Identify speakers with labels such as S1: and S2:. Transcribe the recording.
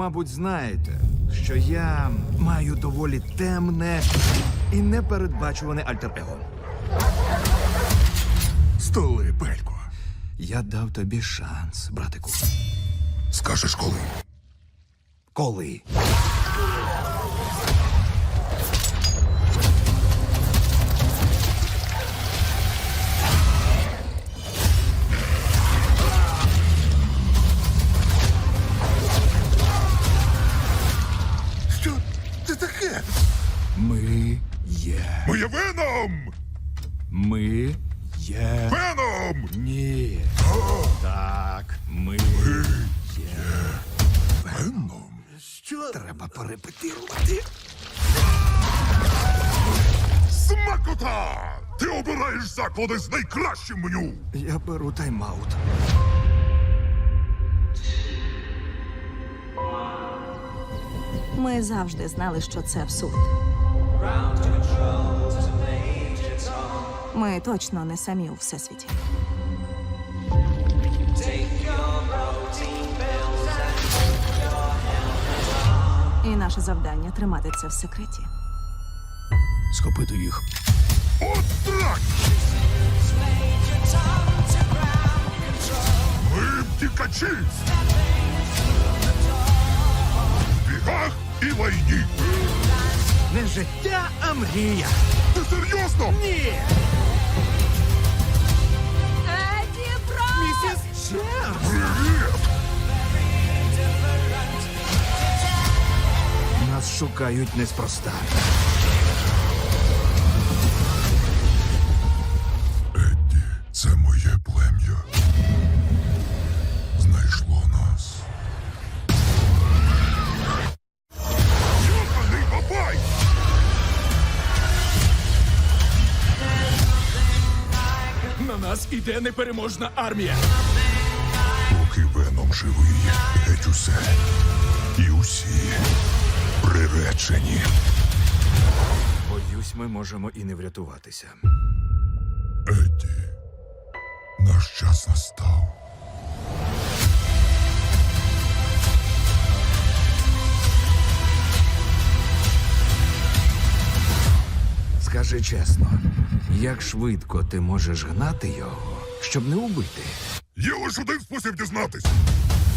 S1: мабуть, знаєте, що я маю доволі темне і непередбачуване альтер-его.
S2: Столи, Пелько.
S1: Я дав тобі шанс, братику.
S2: Скажеш коли?
S1: Коли?
S2: Що це таке?
S1: Ми є.
S2: Моє Веном!
S1: Ми є.
S2: Веном!
S1: Ні. Так, ми є.
S2: Веном? Що?
S1: Треба перепетирувати.
S2: Смакота! Ти обираєш заклади з найкращим меню!
S1: Я беру тайм-аут.
S3: Ми завжди знали, що це абсурд. Ми точно не самі у всесвіті. І наше завдання тримати це в секреті.
S1: Схопити їх.
S2: От так! Ми втікачі! В бігах і лайні!
S1: Не життя, а мрія.
S2: Ти серйозно?
S1: Ні!
S3: Еді, брат!
S1: Місіс Черс!
S2: Привіт!
S1: Нас шукають неспроста.
S2: Едді, це моє плем'я. Знайшло нас. Йоханий бабай!
S1: На нас іде непереможна армія.
S2: Поки Веном живий, геть усе. І усі приречені.
S1: Боюсь, ми можемо і не врятуватися.
S2: Едді, наш час настав.
S1: Скажи чесно, як швидко ти можеш гнати його, щоб не убити?
S2: Є лише один спосіб дізнатись.